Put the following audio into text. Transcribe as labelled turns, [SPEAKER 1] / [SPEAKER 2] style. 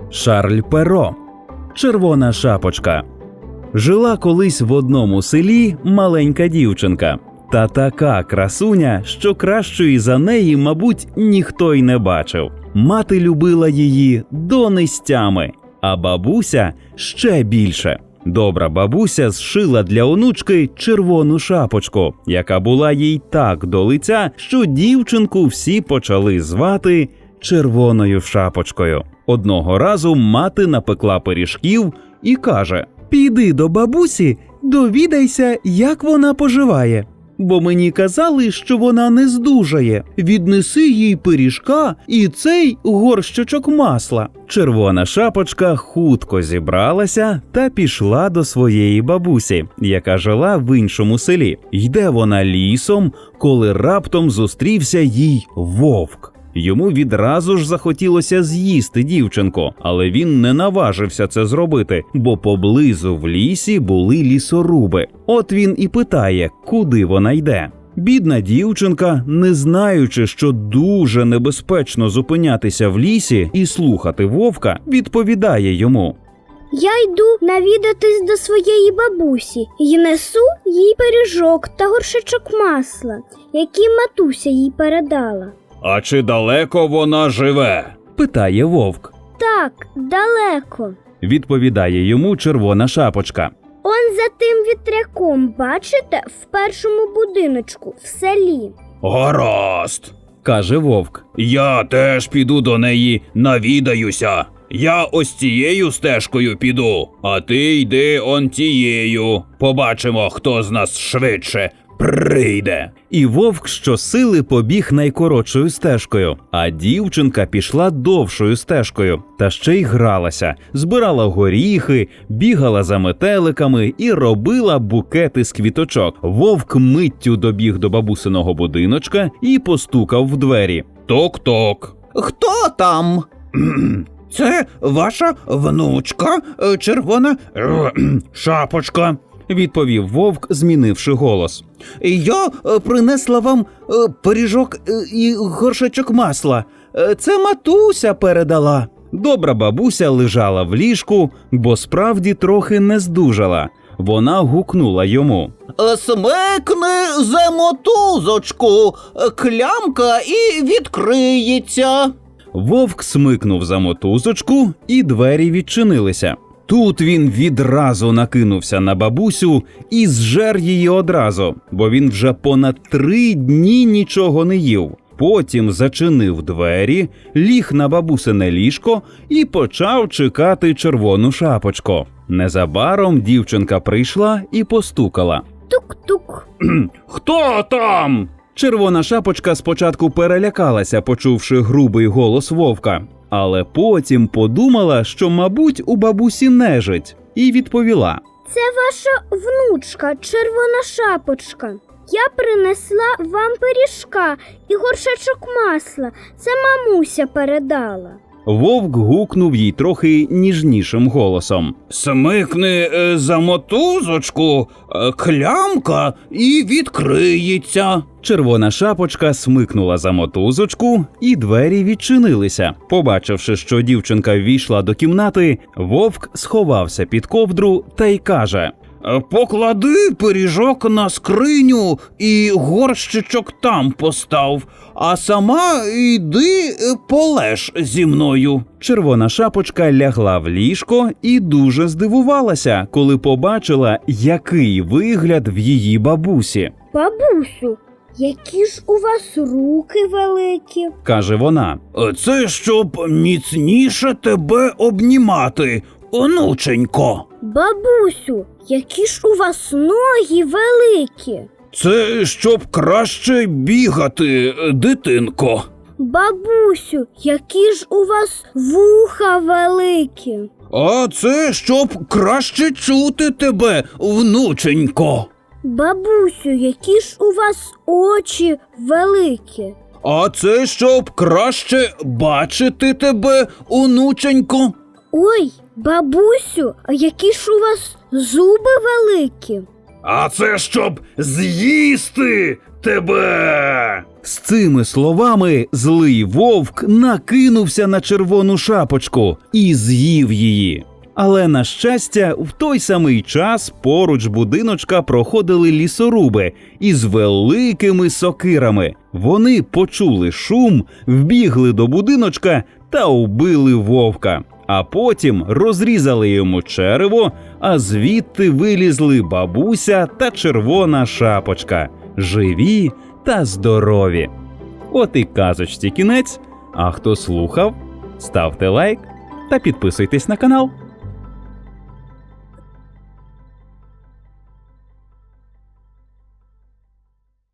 [SPEAKER 1] Шарль Перо. Червона шапочка. Жила колись в одному селі маленька дівчинка. Та така красуня, що кращої за неї, мабуть, ніхто й не бачив. Мати любила її донестями, а бабуся ще більше. Добра бабуся зшила для онучки червону шапочку, яка була їй так до лиця, що дівчинку всі почали звати Червоною шапочкою. Одного разу мати напекла пиріжків і каже: «Піди до бабусі, довідайся, як вона поживає. Бо мені казали, що вона не здужає. Віднеси їй пиріжка і цей горщичок масла». Червона шапочка хутко зібралася та пішла до своєї бабусі, яка жила в іншому селі. Йде вона лісом, коли раптом зустрівся їй вовк. Йому відразу ж захотілося з'їсти дівчинку, але він не наважився це зробити, бо поблизу в лісі були лісоруби. От він і питає, куди вона йде. Бідна дівчинка, не знаючи, що дуже небезпечно зупинятися в лісі і слухати вовка, відповідає йому:
[SPEAKER 2] «Я йду навідатись до своєї бабусі і несу їй пиріжок та горшечок масла, які матуся їй передала».
[SPEAKER 1] «А чи далеко вона живе?» – питає вовк.
[SPEAKER 2] «Так, далеко», –
[SPEAKER 1] відповідає йому червона шапочка.
[SPEAKER 2] «Он за тим вітряком, бачите, в першому будиночку, в селі».
[SPEAKER 1] «Гаразд», – каже вовк. «Я теж піду до неї навідаюся. Я ось цією стежкою піду, а ти йди он тією. Побачимо, хто з нас швидше прийде». І вовк щосили побіг найкоротшою стежкою, а дівчинка пішла довшою стежкою. Та ще й гралася, збирала горіхи, бігала за метеликами і робила букети з квіточок. Вовк миттю добіг до бабусиного будиночка і постукав в двері. «Ток-ток».
[SPEAKER 3] «Хто там?»
[SPEAKER 1] «Це ваша внучка, червона шапочка», відповів вовк, змінивши голос.
[SPEAKER 3] «Я принесла вам пиріжок і горшечок масла. Це матуся передала».
[SPEAKER 1] Добра бабуся лежала в ліжку, бо справді трохи не здужала. Вона гукнула йому:
[SPEAKER 3] «Смикни за мотузочку, клямка і відкриється».
[SPEAKER 1] Вовк смикнув за мотузочку, і двері відчинилися. Тут він відразу накинувся на бабусю і зжер її одразу, бо він вже понад 3 дні нічого не їв. Потім зачинив двері, ліг на бабусине ліжко і почав чекати червону шапочку. Незабаром дівчинка прийшла і постукала.
[SPEAKER 2] Тук-тук.
[SPEAKER 1] «Хто там?» Червона шапочка спочатку перелякалася, почувши грубий голос вовка, але потім подумала, що, мабуть, у бабусі нежить, і відповіла:
[SPEAKER 2] «Це ваша внучка, червона шапочка. Я принесла вам пиріжка і горшечок масла. Це мамуся передала».
[SPEAKER 1] Вовк гукнув їй трохи ніжнішим голосом:
[SPEAKER 3] «Смикни за мотузочку, клямка і відкриється».
[SPEAKER 1] Червона шапочка смикнула за мотузочку, і двері відчинилися. Побачивши, що дівчинка ввійшла до кімнати, вовк сховався під ковдру та й каже:
[SPEAKER 3] «Поклади пиріжок на скриню і горщичок там постав, а сама йди полеж зі мною».
[SPEAKER 1] Червона шапочка лягла в ліжко і дуже здивувалася, коли побачила, який вигляд в її бабусі.
[SPEAKER 2] «Бабусю, які ж у вас руки великі», –
[SPEAKER 1] каже вона.
[SPEAKER 3] «Це щоб міцніше тебе обнімати, онученько».
[SPEAKER 2] «Бабусю, які ж у вас ноги великі».
[SPEAKER 3] «Це щоб краще бігати, дитинко».
[SPEAKER 2] «Бабусю, які ж у вас вуха великі».
[SPEAKER 3] «А це щоб краще чути тебе, внученько».
[SPEAKER 2] «Бабусю, які ж у вас очі великі».
[SPEAKER 3] «А це щоб краще бачити тебе, онученько».
[SPEAKER 2] «Ой, бабусю, а які ж у вас зуби великі».
[SPEAKER 3] «А це щоб з'їсти тебе».
[SPEAKER 1] З цими словами злий вовк накинувся на червону шапочку і з'їв її. Але, на щастя, в той самий час поруч будиночка проходили лісоруби із великими сокирами. Вони почули шум, вбігли до будиночка та вбили вовка. А потім розрізали йому черево, а звідти вилізли бабуся та червона шапочка. Живі та здорові. От і казочці кінець. А хто слухав, ставте лайк та підписуйтесь на канал.